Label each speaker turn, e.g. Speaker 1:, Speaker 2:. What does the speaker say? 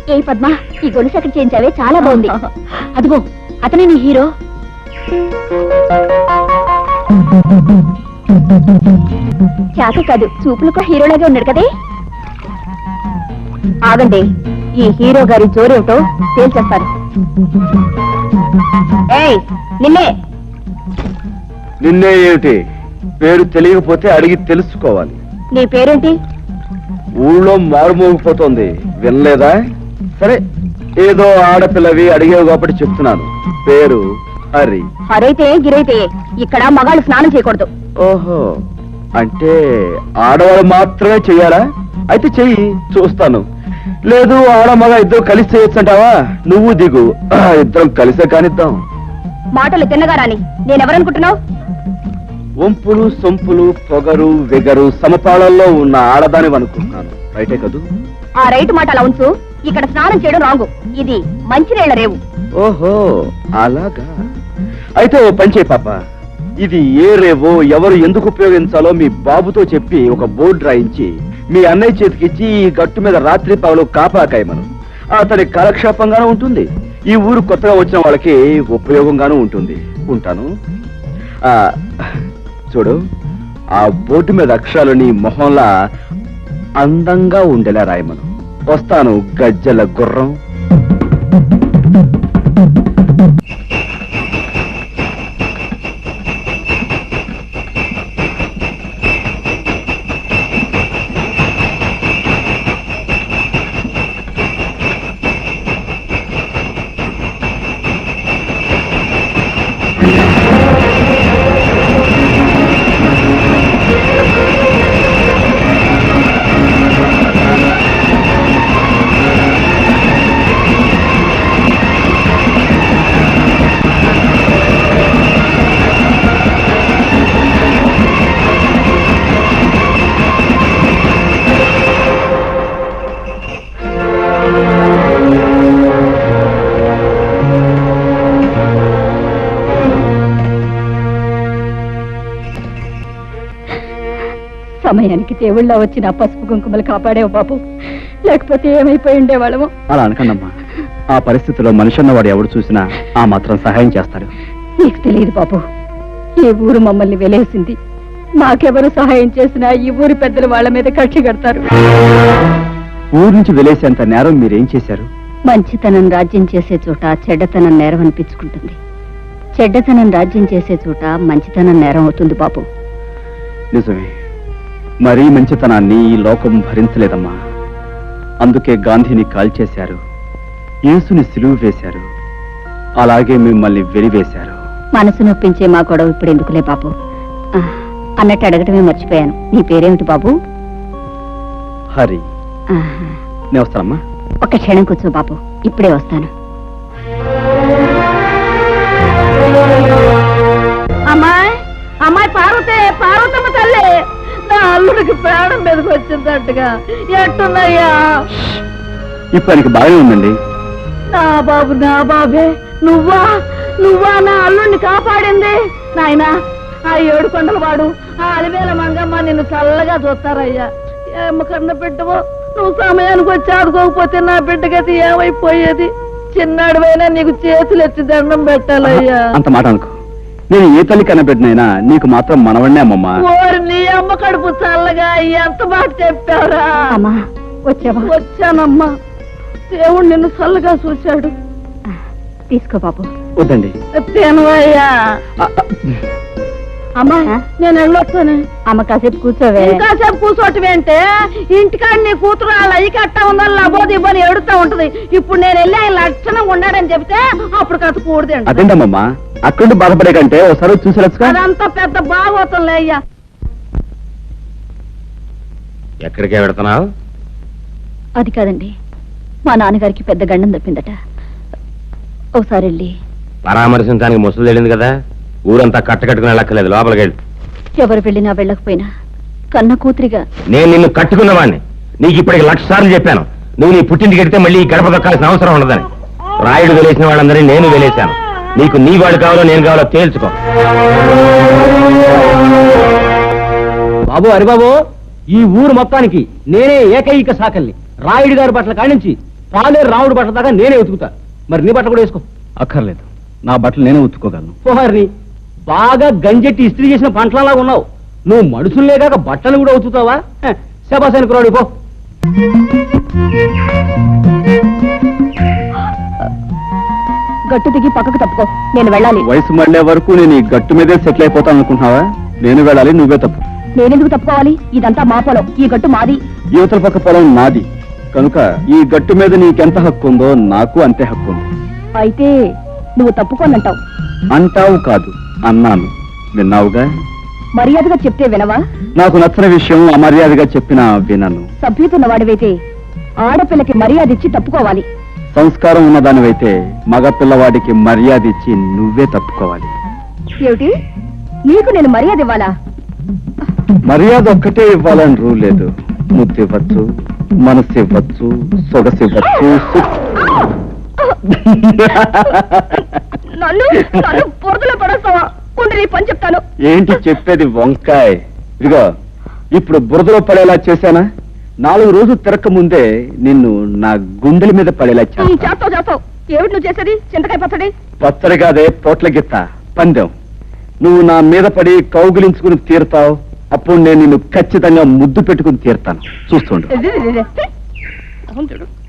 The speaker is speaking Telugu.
Speaker 1: ఏ పద్మ, ఈ గొలుసు ఎక్కడ చేయించావే? చాలా బాగుంది. అదిగో అతనే నీ హీరో. చేత కాదు, చూపులకు హీరోలాగే ఉన్నాడు కదే. ఆగండి, ఈ హీరో గారి జోరేమిటో తేల్చేస్తారు. ఏయ్ నిన్నే.
Speaker 2: నిన్నే ఏమిటి? పేరు తెలియకపోతే అడిగి తెలుసుకోవాలి.
Speaker 1: నీ పేరేంటి?
Speaker 2: ఊళ్ళో మారుమోగిపోతోంది, వినలేదా? సరే, ఏదో ఆడపిల్లవి అడిగేవి కాబట్టి చెప్తున్నాను. పేరు హరి.
Speaker 1: హరైతే గిరైతే ఇక్కడ మగాళ్ళు స్నానం చేయకూడదు.
Speaker 2: ఓహో, అంటే ఆడవాళ్ళు మాత్రమే చెయ్యాలా? అయితే చెయ్యి, చూస్తాను. లేదు ఆడ మగ ఇద్దరు కలిసి చేయొచ్చంటావా? నువ్వు దిగు, ఇద్దరం కలిసే కానిద్దాం.
Speaker 1: మాటలు తిన్నగా రాని. నేనెవరనుకుంటున్నావు?
Speaker 2: వంపులు సొంపులు పొగరు వెగరు సమపాళల్లో ఉన్న ఆడదాని అనుకుంటున్నాను. రైటే కదూ?
Speaker 1: ఆ రైట్ మాట అలా ఉంచు. ఇక్కడ స్నానం చేయడం రాంగు. ఇది మంచినీళ్ల రేవు.
Speaker 2: ఓహో అలాగా. అయితే ఓ పని చేయి పాప, ఇది ఏ రేవో ఎవరు ఎందుకు ఉపయోగించాలో మీ బాబుతో చెప్పి ఒక బోర్డు రాయించి మీ అన్నయ్య చేతికిచ్చి ఈ గట్టు మీద రాత్రి పగలు కాపాకాయమను. అతని కాలక్షేపంగానూ ఉంటుంది, ఈ ఊరు కొత్తగా వచ్చిన వాళ్ళకి ఉపయోగంగానూ ఉంటుంది. ఉంటాను. చూడు, ఆ బోర్డు మీద అక్షరాలు నీ మొహంలా అందంగా ఉండేలా రాయమను. వస్తాను, గజ్జల గుర్రం.
Speaker 1: సమయానికి దేవుళ్ళ వచ్చిన పసుపు కుంకుమలు కాపాడేవు బాబు, లేకపోతే ఏమైపోయి ఉండేవాళ్ళము.
Speaker 2: అలా అనకండమ్మా, ఆ పరిస్థితిలో మనిషి అన్నవాడు ఎవడు చూసినా ఆ మాత్రం సహాయం చేస్తాడు.
Speaker 1: నీకు తెలియదు బాబు, ఈ ఊరు మమ్మల్ని వెలేసింది. మాకెవరు సహాయం చేసినా ఈ ఊరి పెద్దలు వాళ్ళ మీద కక్షి కడతారు.
Speaker 2: ఊరు నుంచి వెలేసేంత నేరం మీరేం చేశారు?
Speaker 1: మంచితనం రాజ్యం చేసే చోట చెడ్డతనం నేరం అనిపించుకుంటుంది. చెడ్డతనం రాజ్యం చేసే చోట మంచితనం నేరం అవుతుంది బాబు.
Speaker 2: నిజమే, మరీ మంచితనాన్ని ఈ లోకం భరించలేదమ్మా. అందుకే గాంధీని కాల్చేశారు, యేసుని సిలువ వేశారు, అలాగే మిమ్మల్ని వెలివేశారు.
Speaker 1: మనసు నొప్పించే మా గొడవ ఇప్పుడు ఎందుకులే బాబు. అన్నట్టు అడగటమే మర్చిపోయాను, నీ పేరేమిటి బాబు?
Speaker 2: హరి. నేను వస్తానమ్మా.
Speaker 1: ఒక్క క్షణం కూర్చో బాబు, ఇప్పుడే వస్తాను. అమ్మాయి అమ్మాయి పార్వతే, పార్వతమ్మ తల్లి, నా అల్లుడికి ప్రాణం మీదకి వచ్చిందట్టుగా. ఎట్టున్నాయ్యా?
Speaker 2: ఇప్పటికి బాగానే ఉందండి.
Speaker 1: నా బాబు, నా బాబే, నువ్వా నువ్వా నా అల్లుడిని కాపాడింది? నాయనా, ఆ 7 కొండల వాడు, ఆ అలివేల మంగమ్మ నిన్ను చల్లగా చూస్తారయ్యా. ఏమ కన్న బిడ్డవో, నువ్వు సమయానికి వచ్చి ఆడుకోకపోతే నా బిడ్డకైతే ఏమైపోయేది? చిన్నాడువైనా నీకు చేతులు ఎత్తి దండం పెట్టాలయ్యా.
Speaker 2: అంత మాట అనుకో, నేను ఏ తల్లి కనబెట్టినైనా నీకు మాత్రం మనవడినే అమ్మమ్మా.
Speaker 1: ఓరి నీ అమ్మ కడుపు చల్లగా, ఎంత మాట చెప్పారా? వచ్చానమ్మా, దేవుడు నిన్ను చల్లగా చూశాడు. తీసుకో బాబు.
Speaker 2: వద్దండి.
Speaker 1: తేనవయ్యా. అమ్మా నేను వెళ్ళొస్తాను. అమ్మ కాసేపు కూర్చోవే. కాసేపు కూర్చోటమేంటే, ఇంటికాడ నీ కూతురు అలా అయ్యి కట్టా ఉందని లబోది ఇవ్వని ఎడుతా ఉంటది. ఇప్పుడు నేను వెళ్ళి ఆయన లక్షణంగా ఉన్నాడని చెప్తే అప్పుడు కథ కూడదండి.
Speaker 2: అదేంటమ్మా, అక్కడ బాధపడే కంటే ఒకసారి చూసి
Speaker 1: అదంతా పెద్ద బాగోతుందిలే అయ్యా.
Speaker 3: ఎక్కడికే వెళుతున్నావు?
Speaker 1: అది కాదండి, మా నాన్నగారికి పెద్ద గండం తప్పిందట. ఒకసారి వెళ్ళి
Speaker 3: పరామర్శించడానికి ముసలు తెలియదు కదా, ఊరంతా కట్టకట్టుకుని వెళ్ళక్కర్లేదు, లోపలికి వెళ్ళి.
Speaker 1: ఎవరు వెళ్ళినా వెళ్ళకపోయినా కన్న కూతురిగా
Speaker 3: నేను నిన్ను కట్టుకున్నవాడిని. నీకు ఇప్పటికి 1,00,000 సార్లు చెప్పాను, నువ్వు నీ పుట్టింటికి వెడితే మళ్ళీ ఈ గడప దొక్కాల్సిన అవసరం ఉండదని. రాయుడు వెలేసిన వాళ్ళందరినీ నేను వెలేశాను. నీకు నీ వాడు కావాలో నేను కావాలో తేల్చుకో.
Speaker 4: బాబు, హరిబాబు, ఈ ఊరు మొత్తానికి నేనే ఏకైక సాకల్ని. రాయుడు గారి బట్టల కాడించి పాలేరు రాముడు బట్టల దాకా నేనే ఉతుకుతా. మరి నీ బట్టలు కూడా వేసుకో.
Speaker 2: అక్కర్లేదు, నా బట్టలు నేనే ఉతుక్కోగలను.
Speaker 4: పోహారిని బాగా గంజెట్టి ఇస్త్రీ చేసిన పంటలలాగా ఉన్నావు. నువ్వు మనుషులే కాక బట్టలు కూడా ఉతుకుతావా? శబాసానికి రాడు పో.
Speaker 1: గట్టు దిగి పక్కకు తప్పుకో, నేను వెళ్ళాలి.
Speaker 2: వయసు మళ్ళే వరకు నేను ఈ గట్టు మీదే సెటిల్ అయిపోతాను అనుకుంటున్నావా? నేను వెళ్ళాలి, నువ్వే తప్పు.
Speaker 1: నేనెందుకు తప్పుకోవాలి? ఇదంతా మా పొలం, ఈ గట్టు మాది.
Speaker 2: యువతల పక్క పొలం నాది కనుక ఈ గట్టు మీద నీకెంత హక్కు ఉందో నాకు అంతే హక్కు ఉంది.
Speaker 1: అయితే నువ్వు తప్పుకోనంటావు.
Speaker 2: అంటావు కాదు, అన్నాను. విన్నావుగా?
Speaker 1: మర్యాదగా చెప్తే వినవా?
Speaker 2: నాకు నచ్చని విషయం అమర్యాదగా చెప్పినా వినను.
Speaker 1: సభ్యుతున్న వాడివైతే ఆడపిల్లకి మర్యాద ఇచ్చి తప్పుకోవాలి.
Speaker 2: సంస్కారం ఉన్నదానివైతే మగ పిల్లవాడికి మర్యాద ఇచ్చి నువ్వే తప్పుకోవాలి.
Speaker 1: ఏమిటి, నీకు నేను మర్యాద ఇవ్వాలా?
Speaker 2: మర్యాద ఒక్కటే ఇవ్వాలని రూ లేదు. ముద్దు ఇవ్వచ్చు, మనసు ఇవ్వచ్చు, సొగసు ఇవ్వచ్చు.
Speaker 1: నన్ను నన్ను పొరదలో పడేస్తావా? ఉండి నీ పని చెప్తాను.
Speaker 2: ఏంటి చెప్పేది వంకాయ? ఇదిగో, ఇప్పుడు బురదలో పడేలా చేశానా? 4 రోజులు తిరక్క ముందే నిన్ను నా గుండెల మీద పడేలా చేస్తాను.
Speaker 1: చేస్తావు. ఏమిటి నువ్వు చేసేది? చింతకాయ పచ్చడి?
Speaker 2: పచ్చడి కాదే, పోట్ల గిత్త పందెం. నువ్వు నా మీద పడి కౌగిలించుకుని తీరుతావు. అప్పుడు నేను నిన్ను ఖచ్చితంగా ముద్దు పెట్టుకుని తీరుతాను. చూస్తుండు.
Speaker 1: అవును చూడు.